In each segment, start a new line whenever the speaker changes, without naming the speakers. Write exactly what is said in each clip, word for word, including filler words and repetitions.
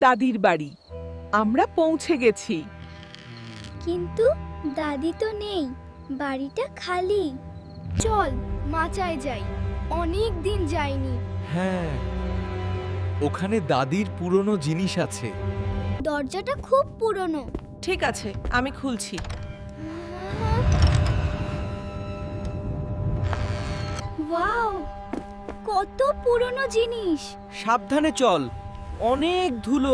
দাদির বাড়ি। আমরা পৌঁছে গেছি।
কিন্তু দাদি তো নেই, বাড়িটা খালি। চল মাচায় যাই, অনেক দিন যাইনি।
হ্যাঁ, ওখানে দাদির পুরনো জিনিস আছে।
দরজাটা খুব পুরনো।
ঠিক আছে, আমি খুলছি।
ওয়াও, কত পুরনো জিনিস।
সাবধানে চল, অনেক ধুলো।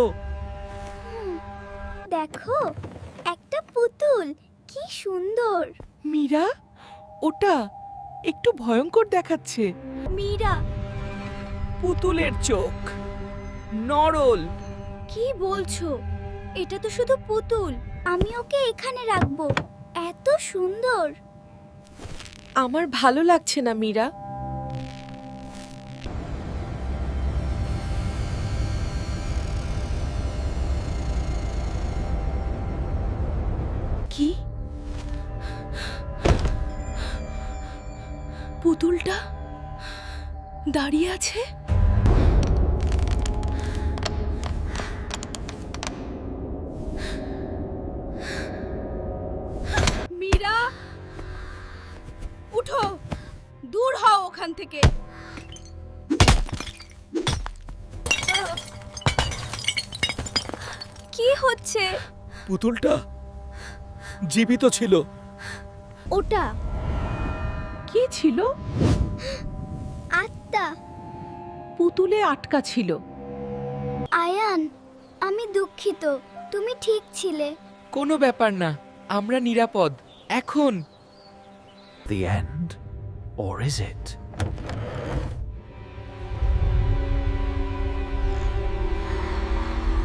দেখো, একটা পুতুল, কি সুন্দর।
মীরা, ওটা একটু ভয়ঙ্কর দেখাচ্ছে।
মীরা,
পুতুলের চোখ, নরল।
কি বলছো? এটা তো শুধু পুতুল। আমি ওকে এখানে রাখবো, এত সুন্দর।
আমার ভালো লাগছে না মীরা।
কি? পুতুলটা দাঁড়িয়ে আছে।
মীরা, উঠো, দূর হও ওখান থেকে। কি হচ্ছে?
পুতুলটা জীবিত ছিল।
ওটা
কি ছিল?
আত্মা।
পুতুলে আটকা ছিল।
আয়ান, আমি দুঃখিত, তুমি ঠিক ছিলে।
কোনো ব্যাপার না, আমরা নিরাপদ এখন।
The end? Or is it?